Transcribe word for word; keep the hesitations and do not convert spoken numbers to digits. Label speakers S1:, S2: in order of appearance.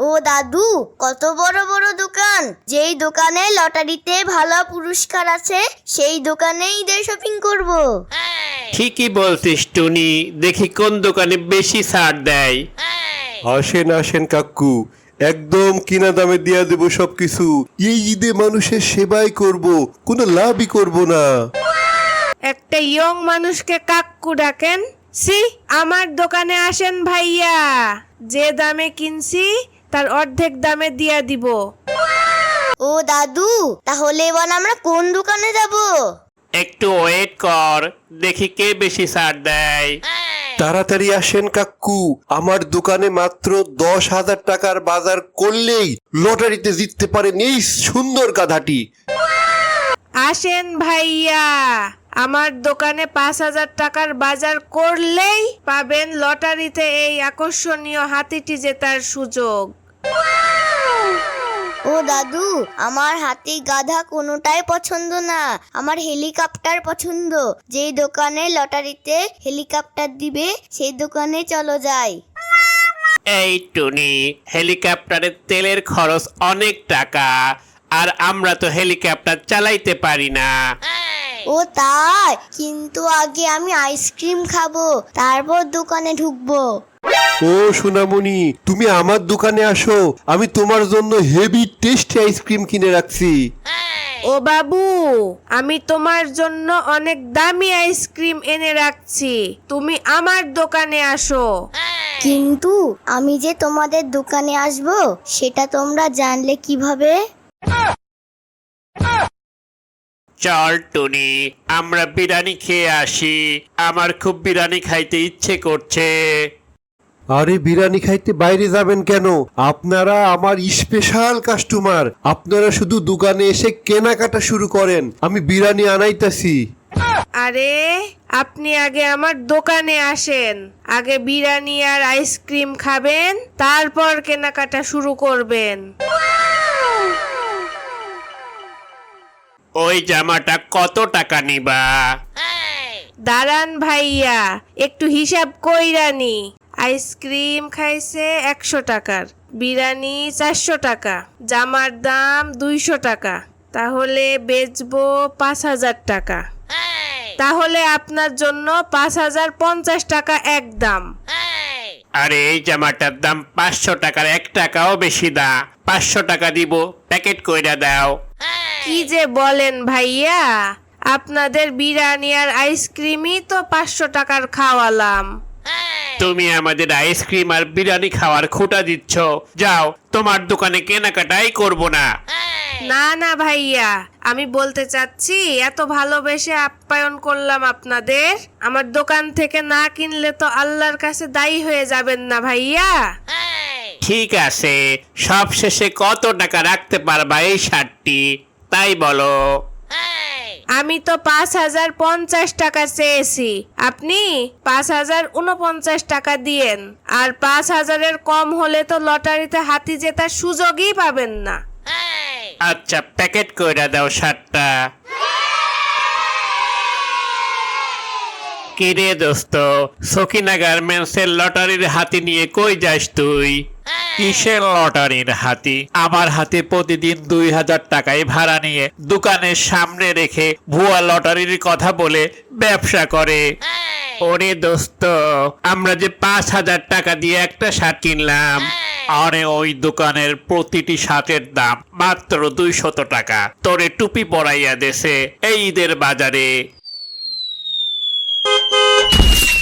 S1: ও দাদু, কত বড় বড় দোকান! যেই দোকানে লটারিতে ভালো পুরস্কার আছে সেই দোকানেই ঈদের শপিং করব।
S2: ঠিকই বলছিস টুনি, দেখি কোন দোকানে বেশি ছাড় দেয়।
S3: আসেন আসেন কাকু, একদম কিনা দামে দিয়া দেবো সবকিছু। এই ঈদে মানুষের সেবাই করব, কোনো লাভই করব না।
S4: একটা ইয়ং মানুষকে কাক্কু ডাকেন? সি, আমার দোকানে আসেন ভাইয়া, যে দামে কিনছি তার অর্ধেক দামে দিয়া দিব।
S1: ও দাদু, তাহলে এবার আমরা কোন দোকানে যাব?
S2: একটু ওয়েট কর, দেখি কে বেশি ছাড় দেয়।
S3: তাড়াতাড়ি আসেন কাকু, আমার দোকানে মাত্র দশ হাজার টাকার বাজার করলেই লটারিতে জিততে পারেন এই সুন্দর গাধাটি।
S4: আসেন ভাইয়া, আমার দোকানে পাঁচ হাজার টাকার বাজার করলেই পাবেন লটারিতে এই আকর্ষণীয় হাতিটি জেতার সুযোগ।
S1: ও দাদু, আমার হাতি গাধা কোনোটাই পছন্দ না, আমার হেলিকপ্টার পছন্দ। যেই দোকানে লটারিতে হেলিকপ্টার দিবে সেই দোকানে চলো যাই।
S2: এই টুনি, হেলিকপ্টারের তেলের খরচ অনেক টাকা, আর আমরা তো হেলিকপ্টার চালাইতে পারি না।
S1: ও তাই? কিন্তু আগে আমি আইসক্রিম খাবো, তারপর দোকানে ঢুকবো।
S3: ও সোনামণি, তুমি আমার দোকানে আসো, আমি তোমার জন্য হেভি টেস্টি আইসক্রিম কিনে রাখছি।
S4: ও বাবু, আমি তোমার জন্য অনেক দামি আইসক্রিম এনে রাখছি, তুমি আমার দোকানে আসো।
S1: কিন্তু আমি যে তোমাদের দোকানে আসবো সেটা তোমরা জানলে কিভাবে?
S2: চল টুনি, আমরা বিরিয়ানি খেয়ে আসি, আমার খুব বিরিয়ানি খাইতে ইচ্ছে করছে।
S3: আরে বিরিয়ানি খাইতে বাইরে যাবেন কেন? আপনারা আমার স্পেশাল কাস্টমার, আপনারা শুধু দোকানে এসে কেনাকাটা শুরু করেন, আমি বিরিয়ানি আনাইতাছি।
S4: আরে আপনি আগে আমার দোকানে আসেন, আগে বিরিয়ানি আর আইসক্রিম খাবেন, তারপর কেনাকাটা শুরু করবেন।
S2: ওই জামাটা কত টাকা নিবা?
S4: দাঁড়ান ভাইয়া, একটু হিসাব কইরানি। আইসক্রিম খাইছে একশো টাকার, বিরিয়ানি চারশো টাকা, জামার দাম দুইশো টাকা, তাহলে বেচবো পাঁচ হাজার টাকা। তাহলে আপনার জন্য পাঁচ হাজার পঞ্চাশ টাকা একদম।
S2: আরে এই জামাটার দাম পাঁচশো টাকার এক টাকাও বেশি দা, পাঁচশো টাকা দিব, প্যাকেট কইরা দাও।
S4: কি যে বলেন ভাইয়া, আপনাদের বিরিয়ানি আর আইসক্রিমই তো পাঁচশো টাকার খাওয়ালাম।
S2: তুমি আমাদের আইসক্রিম আর বিরিয়ানি খাওয়ার খোটা দিচ্ছ, যাও, তোমার দোকানে কেনাকাটাই করব না।
S4: না না ভাইয়া, আমি বলতে চাচ্ছি এত ভালোবেসে আপ্যায়ন করলাম আপনাদের, আমার দোকান থেকে না কিনলে তো আল্লাহর কাছে দায়ী হয়ে যাবেন না ভাইয়া।
S2: ঠিক আছে, সব শেষে কত টাকা রাখতে পারবা এই শার্টটি, তাই বলো।
S4: আমি তো পাঁচ হাজার পঞ্চাশ টাকা চেয়েছি, আপনি পাঁচ হাজার উনপঞ্চাশ টাকা দিয়েন, আর পাঁচ হাজারের কম হলে তো লটারিতে হাতি জেতার সুযোগই পাবেন না।
S2: আচ্ছা, প্যাকেট কইরা দাও শার্টটা। কিরে দোস্ত, সকিনা গার্মেন্টসের লটারির হাতি নিয়ে কই যাস তুই? কিসের লটারির হাতি? আমার হাতে প্রতিদিন দুই হাজার টাকায় ভাড়া নিয়ে দোকানের সামনে রেখে ভুয়া লটারির কথা বলে ব্যবসা করে। ওরে দোস্ত, আমরা যে পাঁচ হাজার টাকা দিয়ে একটা শার্ট কিনলাম, আরে ওই দোকানের প্রতিটি শার্টের দাম মাত্র দুইশত টাকা। তোরে টুপি পরাইয়া দেছে এই ঈদের বাজারে।